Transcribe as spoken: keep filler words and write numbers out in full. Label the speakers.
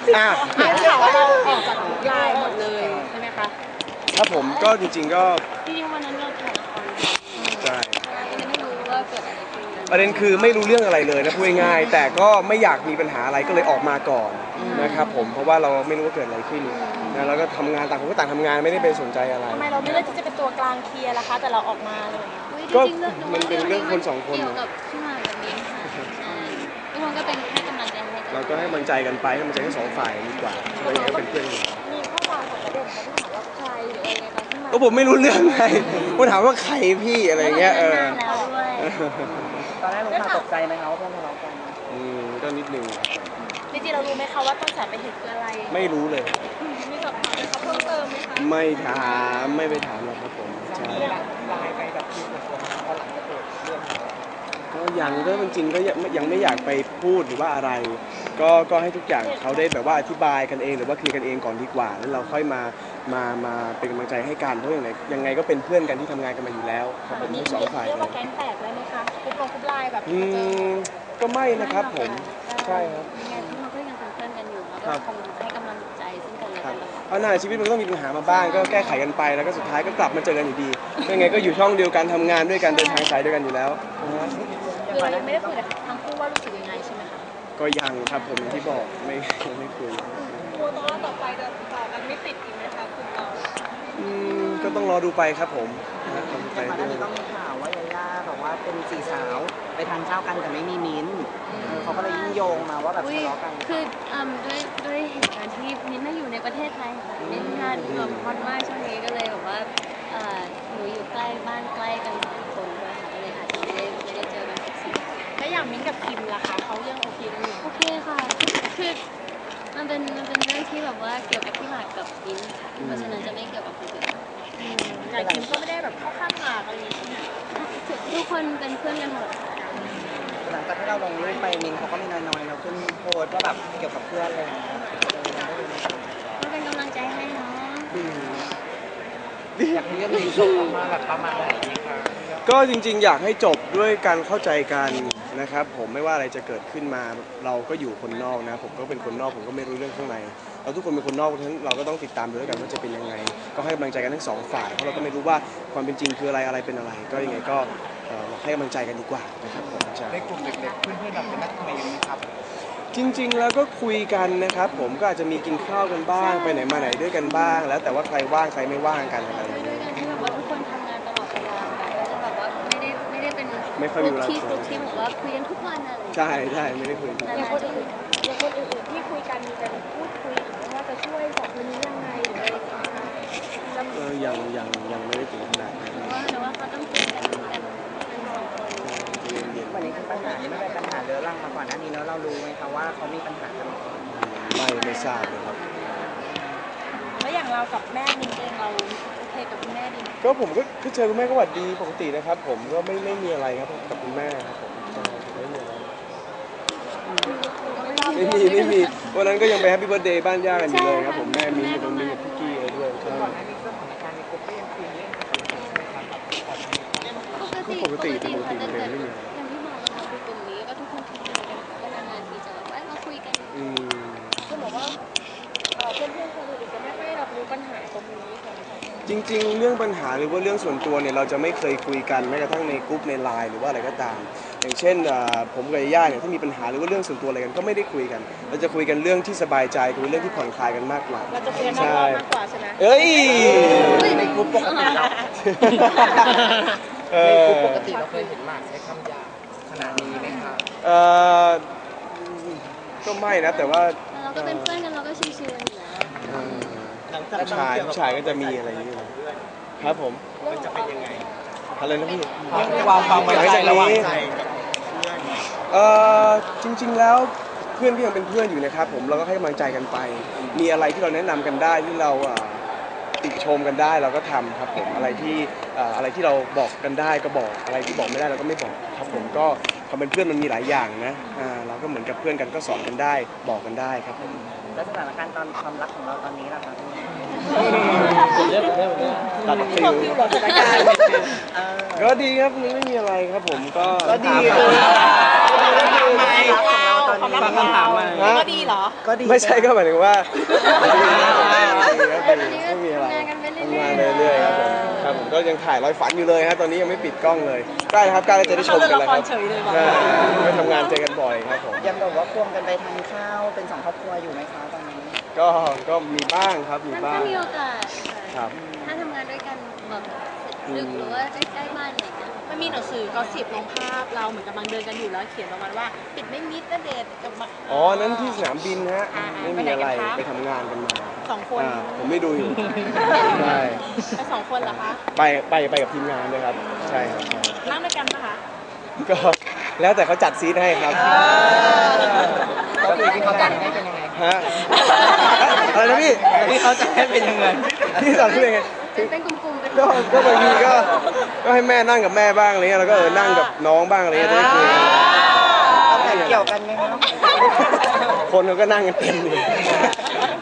Speaker 1: อ่ะ
Speaker 2: ได้ข่าวว่าเราออกจากไลน์หมดเลยใช่ไหมคะ
Speaker 1: ครับผมก็จริงๆก็
Speaker 3: จริงๆวันนั้นเราถ่ายละคร
Speaker 1: ใช่
Speaker 3: ยังไม่รู้ว่าเกิดอะไรขึ้น
Speaker 1: ประเด็นคือไม่รู้เรื่องอะไรเลยนะพูดง่ายๆแต่ก็ไม่อยากมีปัญหาอะไรก็เลยออกมาก่อนนะครับผมเพราะว่าเราไม่รู้ว่าเกิดอะไรขึ้นนะแล้วก็ทำงานต่างคนก็ต่างทำงานไม่ได้ไปสนใจอะไร
Speaker 2: ทำไมเราไม่เลือกที่จะเป็นตัวกลางเคลียร์ล่ะคะแต่เราออกมาเลย
Speaker 1: ก็มันเป็นเรื่องคนสองคน
Speaker 3: เกี่ยวกับพี่หมากกับมิ้นค่ะใช่ทุกคนก็เป็นให้กำลังใจให้
Speaker 1: เราก็ให้กำลังใจกันไปให้กำลังใจทั้งสองฝ่ายดีกว่าเราอยากให้เป็นเพื่อนกัน
Speaker 2: มีข้อความของประเด็นเขาที่ถามว่าใครหรืออะไรตอนที่มา
Speaker 1: ก็ผมไม่รู้เรื่องไงผมถามว่าใครพี่อะไรเงี้ยเออ
Speaker 3: แล้วด้วย
Speaker 4: ตอนแรกรู้ข่าวตกใจไหมคะว่าเพื่อนทะเลาะกัน
Speaker 1: อืมก็นิดนึง
Speaker 2: จริงๆเรารู้ไหมคะว่าต้นสายไปเหตุคืออะไร
Speaker 1: ไม่รู้เลย
Speaker 2: มีสอบถามเขาเพิ่มเติมไหมคะ
Speaker 1: ไม่ถามไม่ไปถามหรอกครับผมใช่
Speaker 4: ไลน์ไปแบบที่ส่วนตัวพอหลังจากเกิดเรื่อง
Speaker 1: ก็ยังก็จริงๆก็ยังไม่อยากไปพูดหรือว่าอะไรก็ก็ให้ทุกอย่างเขาได้แบบว่าอธิบายกันเองหรือว่าเคลียร์กันเองก่อนดีกว่าแล้วเราค่อยมามามาเป็นกำลังใจให้กันเพราะอย่างไรยังไงก็เป็นเพื่อนกันที่ทำงานกันมาอยู่แล้วครับผมทั้งสองฝ่าย
Speaker 2: เรียกว่าแก๊งแตกได้ไหมคะคุบลงคุบไลน์แบบ
Speaker 1: อืมก็ไม่นะครับผมใช่ครับ
Speaker 3: ยังไงทุกคนก็ยังเป็นเพื่อนกันอยู่แล้วก็คงให้กำลังใจซึ่งกันและกัน
Speaker 1: เพราะหน้าชีวิตมันก็ต้องมีปัญหามาบ้างก็แก้ไขกันไปแล้วก็สุดท้ายก็กลับมาเจอกันอยู่ดียังไงก็อยู่ช่องเดียวกันทำงานด้วยกันเดินทางสายด้วยกันอยู่แล้ว
Speaker 2: คือเรายังไม่ได้คุยกับทั้งคู่ว่ารู้สึกยังไงใช่ไหมคะ
Speaker 1: ก็ยังครับผมที่บอกไม่ไม่คุย
Speaker 2: กลัวตอนต่อไปจะต่อกันไม่ติดอีกไหมคะคุณเรา
Speaker 1: อืมก็ต้องรอดูไปครับผม
Speaker 4: ไปก่อนหน้านี้ก็มีข่าวว่ายาย่าบอกว่าเป็นสี่สาวไปทานข้าวกันแต่ไม่มีมิ้นเขาก็เลยยิ่งโยงมาว่าแบบทะเลาะกัน
Speaker 3: คือด้วยด้วยเหตุการณ์ที่มิ้นไม่อยู่ในประเทศไทยค่ะมิ้นงานแบบฮอตมากช่วงนี้ก็เลยแบบว่าหนูอยู่ใกล้บ้านใกล้กันสองคนด้วยค่ะก็เลยอาจจะไม่ได้ไม่ได้เจอกันทุกสิ่ง
Speaker 2: แล้วอย่างมิ้นกับคิมล่ะคะเขายังโอเคกันอยู่
Speaker 3: โอเคค่ะคือมันเป็นมันเป็นเรื่องที่แบบว่าเกี่ยวกับพี่หมากกับมิ้นค่ะเพราะฉะนั้นจะไม่เกี่ยวกับคนอื่น
Speaker 2: แต่คิมก็ไม่ได้แบบเข้าข้างหมากอะไรอย่างเงี้ย
Speaker 3: ทุกคนเป็นเพื่อนกันหมด
Speaker 4: หลังจากที่เราลงรูปไปมินเขาก็มีน้อยๆเราขึ้นโพสว่าแบบเกี่ยวกับเพื่อนเลย
Speaker 3: ก็เป็นกำลังใจให้เนาะ
Speaker 4: อยากให้เรื่องนี้จบมาแบบประมาณไหนคะ
Speaker 1: ก็จริงๆอยากให้จบด้วยการเข้าใจกันนะครับผมไม่ว่าอะไรจะเกิดขึ้นมาเราก็อยู่คนนอกนะผมก็เป็นคนนอกผมก็ไม่รู้เรื่องข้างในเราทุกคนเป็นคนนอกเพราะฉะนั้นเราก็ต้องติดตามด้วยกันว่าจะเป็นยังไงก็ให้กำลังใจกันทั้งสองฝ่ายเพราะเราก็ไม่รู้ว่าความเป็นจริงคืออะไรอะไรเป็นอะไรก็ยังไงก็ให้กำลังใจกันดีกว่านะครับผม
Speaker 4: จะได้กลุ่มเด็กๆเพื่อนๆเราเป็นนักเรียนนะครับ
Speaker 1: จริงๆแล้วก็คุยกันนะครับผมก็อาจจะมีกินข้าวกันบ้างไปไหนมาไหนด้วยกันบ้างแล้วแต่ว่าใครว่างใครไม่ว่างกันอะไรอย่างเงี้ย
Speaker 3: ที่แบบว่าทุกคนทำงานตลอดเวลาก็จะแบบว่าไม่ได้ไม่ได้เป็น
Speaker 1: ไม่ค่อยมีเวลา
Speaker 3: ที่ทุกที่แบบว่าคุยกันทุกวันอะไร
Speaker 1: ใช่ใช่ไม่ได้คุย
Speaker 2: อย่างคนอื่นอย่างคนอื่นๆที่คุยกันมีการพูดคุยว่าจะช่วยสองคนนี้ยังไงหรืออะไร
Speaker 1: เออยังยังยังไม่ได้ถึงขนาดนั้น
Speaker 3: แต่ว่าเขาต้องคุยกันกันเป็นสองคน
Speaker 4: วันนี้คือปัญหาที่ไม่เป็นปัญหาเรื้อรังมาก่อนหน้านี้แล้วเรารู้ไหมคะว่าเขามีปัญหากัน
Speaker 1: ไม่ไม่ทราบเลยครับ
Speaker 2: แล้วอย่างเรากับแม่มินเองเราโอเคกับคุณแม่ดี
Speaker 1: ก็ผมก็เจอคุณแม่ก็หวัดดีปกตินะครับผมก็ไม่ไม่มีอะไรครับกับคุณแม่ครับผมไม่มีอะไรไม่มีไม่มีวันนั้นก็ยังไปแฮปปี้เบิร์ธเดย์บ้านย่ากันอยู่เลยครับผมแม่มีอยู่ตรงนี้กับพี่กี้เลยด้วยใช่
Speaker 3: ปกติปกติปกติเลยไม่มีอย่างที่บอกเราคือกลุ่มนี้ก็ทุกคนคุยกันก็นานๆทีจะแบบว่ามาคุยกัน
Speaker 2: ก็บอกว่าเพื่อนๆคนอื่นจะไม่ค่อยรับรู้ปัญหาตรงนี้
Speaker 1: จริงๆเรื่องปัญหาหรือว่าเรื่องส่วนตัวเนี่ยเราจะไม่เคยคุยกันแม้กระทั่งในกลุ่มในไลน์หรือว่าอะไรก็ตามอย่างเช่นผมกับย่าเนี่ยถ้ามีปัญหาหรือว่าเรื่องส่วนตัวอะไรกันก็ไม่ได้คุยกันเราจะคุยกันเรื่องที่สบายใจคุยเรื่องที่ผ่อนคลายกันมากกว่า
Speaker 2: เราจะคุยกันมากกว่าใช่ไหม
Speaker 1: เอ้ย
Speaker 4: ในกลุ่มปกติเราในกลุ่มปกติเราเคยเห็นหมากใช้คำหยาบขนาดนี้ไหมคะ
Speaker 1: เออก็ไม่นะแต่ว่า
Speaker 3: เราก็เป็นเพื่อนกันเราก็ชิวๆอยู่แล้ว
Speaker 1: ผู้ชายผู้ชายก็จะมีอะไรอย่างนี้ครับผม
Speaker 4: มันจะเป็นยังไง
Speaker 1: อะไรนะพี่
Speaker 4: วางความไว้ใจระหว่างใจกับเพื่อน
Speaker 1: เอ่อจริงๆแล้วเพื่อนก็ยังเป็นเพื่อนอยู่นะครับผมเราก็ให้กำลังใจกันไปมีอะไรที่เราแนะนำกันได้ที่เราติชมกันได้เราก็ทำครับผมอะไรที่อะไรที่เราบอกกันได้ก็บอกอะไรที่บอกไม่ได้เราก็ไม่บอกครับผมก็ความเป็นเพื่อนมันมีหลายอย่างนะเราก็เหมือนกับเพื่อนกันก็สอนกันได้บอกกันได้ครับผม
Speaker 4: แล้วสถานการณ์ตอนความรักของเราตอนนี้ล่ะคะ
Speaker 1: เรื่องเรื่องเรื่องตัดฟิว
Speaker 4: สถานการณ์
Speaker 1: ก็ดีครับไม่มีอะไรครับผมก็
Speaker 4: ก็ดีก็ดีของเราตอนนี้
Speaker 5: ฟังคำถามมา
Speaker 1: ฮะ
Speaker 2: ก็ดีเหรอ
Speaker 4: ก็ดี
Speaker 1: ไม่ใช่ก็หมายถึงว่า
Speaker 3: ตอนนี้ก็
Speaker 1: ไม่มีอะไร
Speaker 3: ทำงานกันไปเรื่อยๆ
Speaker 1: ทำงานไปเรื่อยๆครับผมครับผมก็ยังถ่ายร้อยฝันอยู่เลยฮะตอนนี้ยังไม่ปิดกล้องเลยใกล้แล้วครับใกล้แล้วจะได้ชมกันแล้วครับ
Speaker 2: เฉยเลยว่ะ
Speaker 1: ใช่ไปทำงานเจอกันบ่อยครับผม
Speaker 4: ยังแบบว่าควงกันไปทานข้าวเป็นสองครอบครัวอยู่ไหมคะตอนนี้
Speaker 1: ก็ก็มีบ้างครับมี
Speaker 3: มัน
Speaker 1: บ้า
Speaker 3: ก็
Speaker 1: ง
Speaker 3: มีโอกาส
Speaker 1: ครั
Speaker 3: ค่ะ
Speaker 1: บ
Speaker 3: ถ้าทำงานด้วยกันแบบดึกหรือว่าใกล้ๆบ้านอะไรอย่างเงี้ย
Speaker 2: มันมีหนังสือกอสิบลงภาพเราเหมือนกำลังเดินกันอยู่แล้วเขียนประมาณว่าปิดไม่มิดนะเดทกับมา
Speaker 1: อ๋อนั้นที่สนามบินฮะ
Speaker 2: อ่า
Speaker 1: ไม่มีอะไร
Speaker 2: ไปไหนกันคะ
Speaker 1: ไปทำงานกันมา
Speaker 2: สองคน
Speaker 1: อ่าผมไม่ดูอยู่ใช่
Speaker 2: ไปสองคนเหรอคะ
Speaker 1: ไปไปไปกับทีมงานด้วยครับใช่ครับใช่
Speaker 2: นั่งด้วยกันปะคะ
Speaker 1: ก็แล้วแต่เขาจัดซีทให้ครับ
Speaker 4: ก็คือที่เขาจัดให้เป็นยังไง
Speaker 1: ฮะอะไรนะพี่
Speaker 5: ที่เขาจะให้เป็นยังไง
Speaker 1: พี่สอนพี่ยังไง
Speaker 3: เป็นเป็นกลุ่มๆเป็น
Speaker 1: ก็ก็บางทีก็ก็ให้แม่นั่งกับแม่บ้างอะไรเงี้ยแล้วก็เออนั่งกับน้องบ้างอะไรเงี้ยจะได้คุยกัน
Speaker 4: แต่เกี่ยวกันไหมคะ
Speaker 1: คนเขาก็นั่งกันเต็มเลย